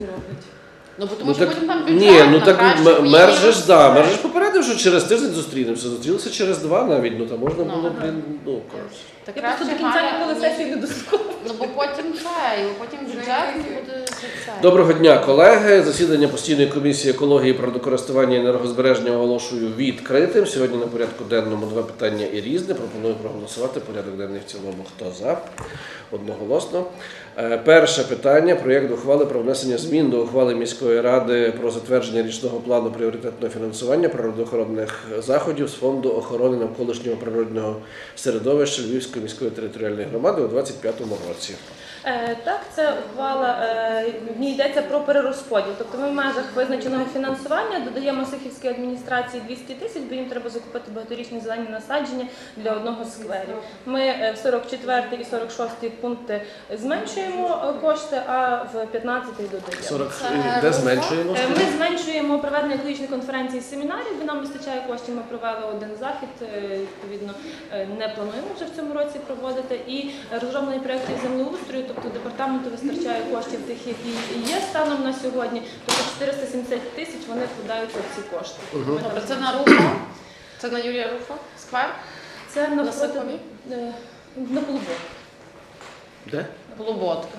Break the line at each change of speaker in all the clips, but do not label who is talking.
роблять.
Ну, бо тому що потім там бюджет,
ні, ну так мер же
ж
попередив, що через тиждень зустрінемося. Зустрілися через 2 навіть, ну там можна було, коротше.
Так
Я просто до
краще
кінця
Галя,
ніколи сесії не дослухала.
Ну, бо потім потім бюджет буде це.
Доброго дня, колеги. Засідання постійної комісії екології, природокористування і енергозбереження оголошую відкритим. Сьогодні на порядку денному 2 питання і різне. Пропоную проголосувати порядок денний в цілому. Хто за? Одноголосно. Перше питання. Проєкт ухвали про внесення змін до ухвали міської ради про затвердження річного плану пріоритетного фінансування природоохоронних заходів з Фонду охорони навколишнього природного середовища Львівської міської територіальної громади у 2025 році.
Так, це ухвала, в ній йдеться про перерозподіл. Тобто ми в межах визначеного фінансування додаємо Сихівській адміністрації 200 тисяч, бо їм треба закупити багаторічні зелені насадження для одного з скверів. Ми в 44 і 46 пункти зменшуємо кошти, а в 15 додаємо.
Де зменшуємо?
Ми зменшуємо проведення екологічних конференцій і семінарів, бо нам вистачає коштів, ми провели один захід, відповідно, не плануємо вже в цьому році проводити. І розроблені проєкти землеустрою, тобто департаменту вистачає коштів тих, які є станом на сьогодні, тобто 470 тисяч вони вкладаються в ці кошти.
Добре, це на Руфа? Це на Юрія Руфа? Сквер?
Це
На Сихові?
на Полуботку.
Де?
Полуботка.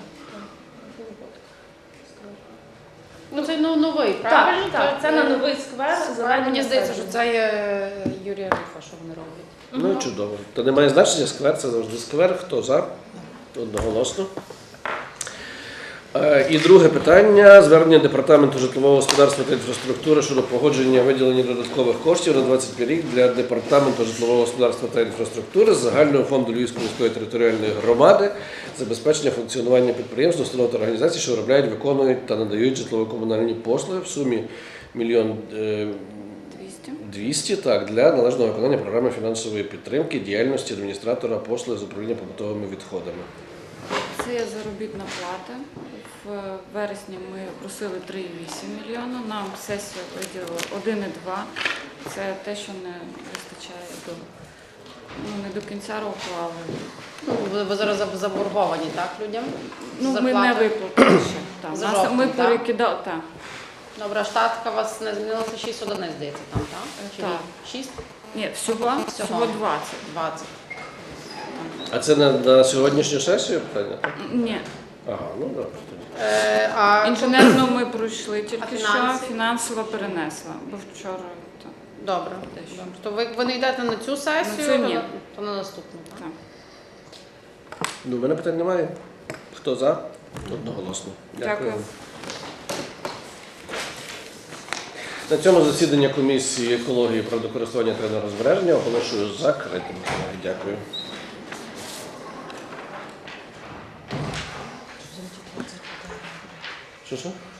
Ну, це новий, правильно?
Так, це на новий сквер.
Мені здається, що це є Юрія Руфа, що вони роблять.
Ну, чудово. То немає значення, сквер, це завжди сквер. Хто за? Одноголосно. І друге питання. Звернення Департаменту житлового господарства та інфраструктури щодо погодження виділення додаткових коштів на 25 рік для Департаменту житлового господарства та інфраструктури з загального фонду Львівської міської територіальної громади забезпечення функціонування підприємств, установ та організацій, що виробляють, виконують та надають житлово-комунальні послуги в сумі 1 200 000 для належного виконання програми фінансової підтримки діяльності адміністратора послуг з управління побутовими відходами.
Це заробітна плата. В вересні ми просили 3,8 мільйона, нам сесія виділила 1,2. Це те, що не вистачає не до кінця року, але...
Ви зараз заборговані, так, людям?
Ми не виплатили ще.
За жовтень,
ми
так?
перекидали, так.
Добре, штатка у вас не змінилася 6 одиниць, здається, там, так? Чи
Так.
6?
Ні, всього 20.
20.
А це на сьогоднішню сесію питання? Так?
Ні.
Ага, ну добре.
Інженерну ми пройшли тільки що,
фінанси?
фінансово перенесла, бо вчора...
Добре. То ви не йдете на цю сесію,
На цю ні.
то на наступну, так?
Так.
Ну, в мене питань немає. Хто за? Одноголосно.
Дякую.
На цьому засідання комісії екології, природокористування та енергозбереження оголошую закритим. Дякую. Що?